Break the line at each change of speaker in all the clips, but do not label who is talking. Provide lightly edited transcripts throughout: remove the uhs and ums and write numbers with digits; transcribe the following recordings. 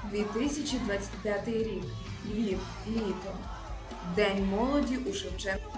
2025 рік. Львів. Літо. День молоді у Шевченка.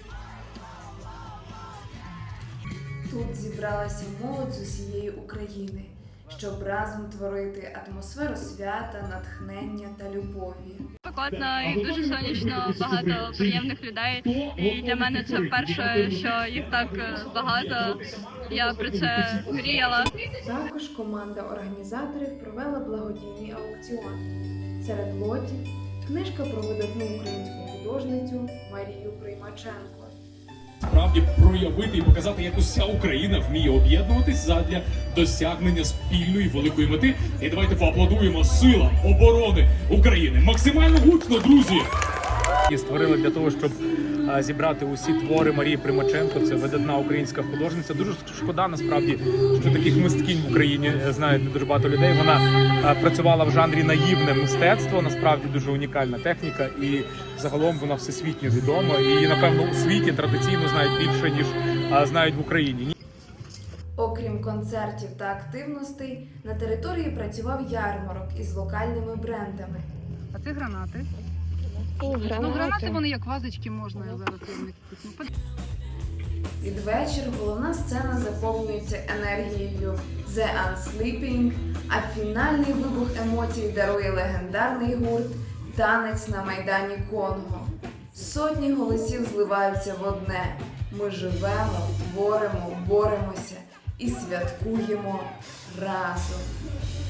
Тут зібралася молодь з усієї України, щоб разом творити атмосферу свята, натхнення та любові.
Спекотно і дуже сонячно, багато приємних людей. І для мене це вперше, що їх так багато. Я про це мріяла.
Також команда організаторів провела благодійний аукціон. Серед лотів книжка про видатну українську художницю Марію Приймаченко.
Справді проявити і показати, як уся Україна вміє об'єднуватись задля досягнення спільної великої мети. І давайте поаплодуємо силам оборони України. Максимально гучно, друзі!
І створили для того, щоб зібрати усі твори Марії Примаченко. Це видатна українська художниця. Дуже шкода, насправді, що таких мисткинь в Україні знають дуже багато людей. Вона працювала в жанрі наївне мистецтво, насправді дуже унікальна техніка, і загалом вона всесвітньо відома. І її, напевно, у світі традиційно знають більше, ніж знають в Україні.
Окрім концертів та активностей, на території працював ярмарок із локальними брендами.
А це гранати. Ну, гранати вони як вазочки можна зараз.
Під вечір головна сцена заповнюється енергією The Unsleeping, а фінальний вибух емоцій дарує легендарний гурт «Танець на Майдані Конго». Сотні голосів зливаються в одне. Ми живемо, творимо, боремося і святкуємо разом.